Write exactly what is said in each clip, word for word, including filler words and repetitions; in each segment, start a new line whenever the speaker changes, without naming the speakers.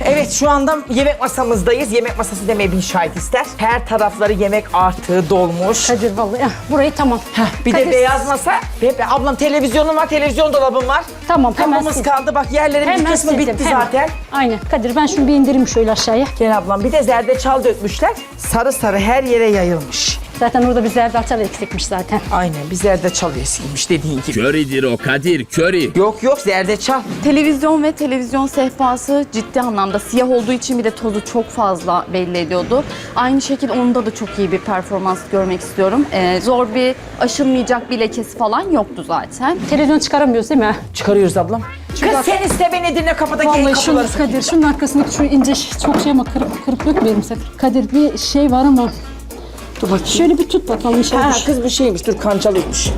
Evet, şu anda yemek masamızdayız. Yemek masası demeye bin şahit ister. Her tarafları yemek artığı dolmuş.
Kadir vallahi ya, burayı tamam.
Heh, bir
Kadir,
de beyaz masa. Ve ablam televizyonum var, televizyon dolabım var.
Tamam, hemen
Kapımız
sil.
kaldı. Bak yerlerin bir
Hemen
kısmı
sildim,
bitti
hemen.
zaten.
Aynen. Kadir ben şunu bir indireyim şöyle aşağıya.
Gel ablam, bir de zerdeçal dökmüşler. Sarı sarı her yere yayılmış.
Zaten orada bir zerdeçal eksikmiş zaten.
Aynen, bir zerdeçal eskiymiş dediğin gibi.
Köridir o Kadir, köri.
Yok yok, zerdeçal.
Televizyon ve televizyon sehpası ciddi anlamda siyah olduğu için bir de tozu çok fazla belli ediyordu. Aynı şekilde onda da çok iyi bir performans görmek istiyorum. Ee, zor bir aşılmayacak bir lekesi falan yoktu zaten.
Televizyon çıkaramıyoruz değil mi?
Çıkarıyoruz ablam. Kız
bak-
sen iste beni dinle, kapıdaki
Vallahi
kapıları.
şunu Kadir, şunun arkasındaki şu ince ş- çok şey ama kırıp, kırıp dökmeyelim sakın. Kadir bir şey var ama
Dur bakayım.
şöyle bir tut bakalım
Ha
inşallah.
kız bir şeymiş, dur kancalıymış.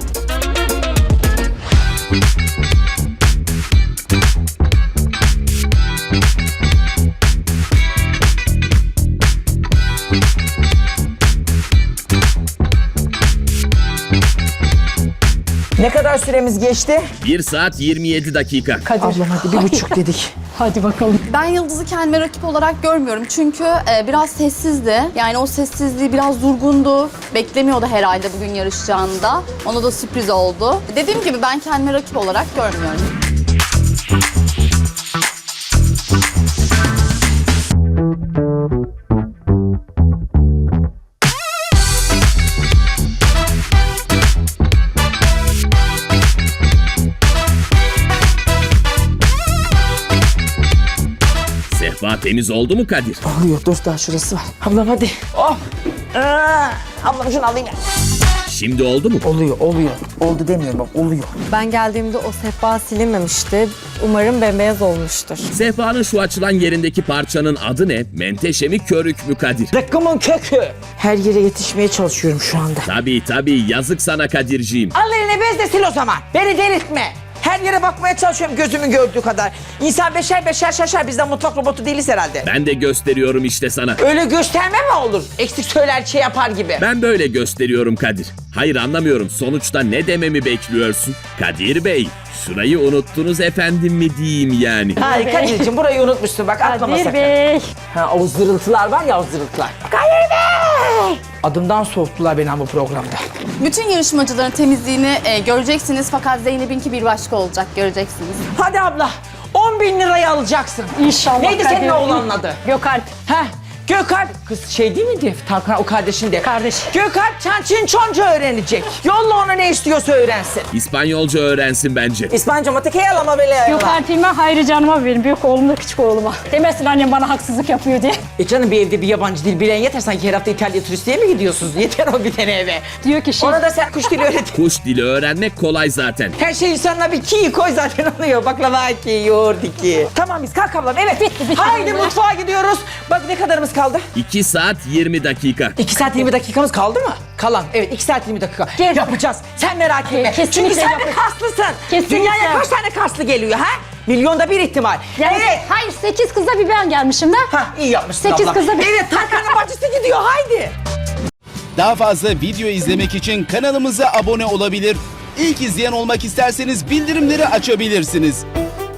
Ne kadar süremiz geçti?
bir saat yirmi yedi dakika.
Kadir.
Ablam hadi bir buçuk dedik.
Hadi bakalım.
Ben Yıldız'ı kendime rakip olarak görmüyorum. Çünkü e, biraz sessizdi. Yani o sessizliği biraz durgundu. Beklemiyordu herhalde bugün yarışacağında. Ona da sürpriz oldu. Dediğim gibi ben kendime rakip olarak görmüyorum.
Sehpa temiz oldu mu Kadir?
Oluyor, dur daha şurası var. Ablam hadi. Oh. Aa, ablam şunu alayım ya.
Şimdi oldu mu?
Oluyor, oluyor. Oldu demiyorum bak, oluyor.
Ben geldiğimde o sehpa silinmemişti. Umarım bembeyaz olmuştur.
Sehpanın şu açılan yerindeki parçanın adı ne? Menteşe mi, körük mü Kadir?
Zıkkımın kökü. Her yere yetişmeye çalışıyorum şu anda.
Tabii tabii, yazık sana Kadirciğim.
Al eline bez de sil o zaman. Beni delirtme. Her yere bakmaya çalışıyorum gözümün gördüğü kadar. İnsan beşer beşer şaşar. Biz de mutfak robotu değiliz herhalde.
Ben de gösteriyorum işte sana.
Öyle gösterme mi olur? Eksik söyler şey yapar gibi.
Ben böyle gösteriyorum Kadir. Hayır anlamıyorum, sonuçta ne dememi bekliyorsun? Kadir Bey, şurayı unuttunuz efendim mi diyeyim yani?
Hayır Kadir'cim, burayı unutmuşsun bak, atlama
Kadir
sakın.
Bey.
Ha, o zırıltılar var ya, o zırıltılar. Kadir Bey! Adımdan soğuttular beni bu programda.
Bütün yarışmacıların temizliğini e, göreceksiniz fakat Zeynep'inki bir başka olacak, göreceksiniz.
Hadi abla, on bin lirayı alacaksın.
İnşallah.
Neydi
Kadir.
senin oğlanın adı?
Gökalp.
Heh, Gökalp. Kız şey değil miydi? Tarkan o kardeşin de.
Kardeş.
Gökalp çançın çonca öğrenecek. Yolla ona ne istiyorsa öğrensin.
İspanyolca öğrensin bence.
İspanyolca matikeye alama böyle.
Gökalp'ime Hayri canıma verin. Büyük oğlumla küçük oğluma. Demesin annem bana haksızlık yapıyor diye.
E canım, bir evde bir yabancı dil bilen yeter. Sanki her hafta İtalya turistliğe mi gidiyorsunuz? Yeter o bir tane eve.
Diyor ki şey.
Ona da sen kuş dili öğret.
Kuş dili öğrenmek kolay zaten.
Her şey insanına bir ki koy zaten oluyor. Baklava ki, yoğurt ki. Tamam biz kalk ablam, evet.
Bitti, bitti.
Haydi mutfağa gidiyoruz. Bak ne kadarımız kaldı?
iki saat yirmi dakika.
iki saat yirmi dakikamız kaldı mı? Kalan. Evet, iki saat yirmi dakika.
Gel.
Yapacağız. Sen merak etme.
Kesinlikle
Çünkü sen de
yapacağız.
kaslısın.
Kesinlikle.
Dünyaya kaç tane kaslı geliyor ha? Milyonda bir ihtimal.
Yani,
Evet.
Hayır sekiz kızla bir ben gelmişim de.
Ha, iyi yapmışsın
Sekiz
abla.
kızla bir-
Evet, Tarkan'ın bacısı gidiyor, haydi.
Daha fazla video izlemek için kanalımıza abone olabilir. İlk izleyen olmak isterseniz bildirimleri açabilirsiniz.